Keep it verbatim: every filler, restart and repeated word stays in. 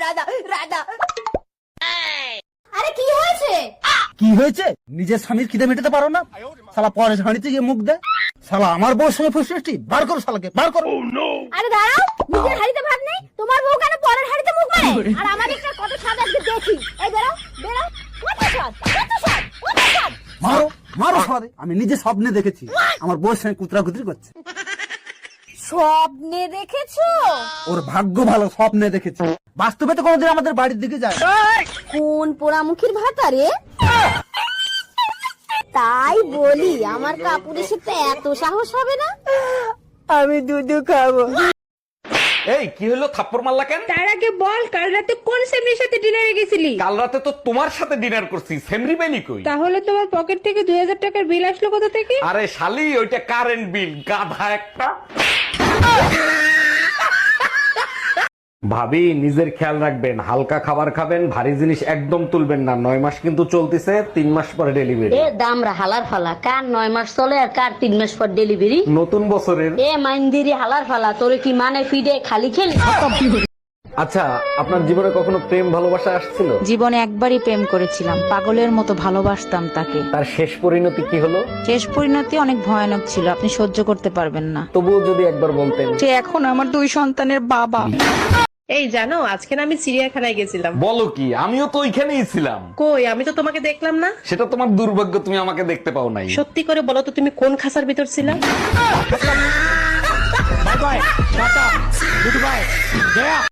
রাধা রাধা। আরে কি হয়েছে? কি হয়েছে? নিজের স্বামীর খিদে মেটাতে পারো না, শালা পরে ঝাড়িতে গিয়ে মুখ দে। শালা আমার বউর সঙ্গে ফুসফুসটি বার করো, শালাকে বার করো। আরে দাঁড়াও, নিজের হাড়িতে ভাত নেই, তোমার বউ কেন পরের হাড়িতে মুখ মারে? আর আমাদেরটা কত স্বাদ আজকে দেখি। এই বেরো বেরো, কত স্বাদ কত স্বাদ কত স্বাদ। মারো মারো শালারে। আমি নিজে স্বপ্নে দেখেছি আমার বউর সঙ্গে কুতরাকুতরি করছে। স্বপ্নে দেখেছো? ওর ভাগ্য ভালো, স্বপ্নে দেখেছি, বাস্তবে তো কোনোদিন আমাদের বাড়ির দিকে যায়। কোন পোড়ামুখীর ভাতা রে? তাই বলি আমার কাপুরের সাথে এত সাহস হবে না। আমি দুধু খাবো। এই কি হলো, থাপ্পড় মারলা কেন? তার আগে বল, কাল রাতে কোন সেমরির সাথে ডিনারে গেছিলি? কাল রাতে তো তোমার সাথে ডিনার করছি, সেমরি বেলি কই? তাহলে তোমার পকেট থেকে দুই হাজার টাকার বিল আসলো কোথা থেকে? আরে শালি, ওইটা কারেন্ট বিল, গাধা একটা। ভাবি, নিজের খেয়াল রাখবেন, হালকা খাবার খাবেন, ভারী জিনিস একদম তুলবেন না। নয় মাস কিন্তু চলতেছে, তিন মাস পরে ডেলিভারি। এ দামরা হালার ফালা, কার নয় মাস চলে আর কার তিন মাস পর ডেলিভারি। নতুন বছরের। এ মাইন্দিরি হালার ফালা, তোরে কি মানে ফিডে খালি খেলি? আচ্ছা, আপনার জীবনে কখনো প্রেম ভালোবাসা আসছিল? জীবনে একবারই প্রেম করেছিলাম, পাগলের মতো ভালোবাসতাম তাকে। তার শেষ পরিণতি কি হলো? শেষ পরিণতি অনেক ভয়ানক ছিল, আপনি সহ্য করতে পারবেন না। তবুও যদি একবার বলতেন। সে এখন আমার দুই সন্তানের বাবা। এই জানো, আজকে না আমি চিড়িয়াখানায় গেছিলাম। বলো কি? আমিও তো ওইখানেই ছিলাম। কই, আমি তো তোমাকে দেখলাম না। সেটা তোমার দুর্ভাগ্য, তুমি আমাকে দেখতে পাও নাই। সত্যি করে বলো তো, তুমি কোন খাঁচার ভিতর ছিলা? Bye bye, tata, good bye, Gaya.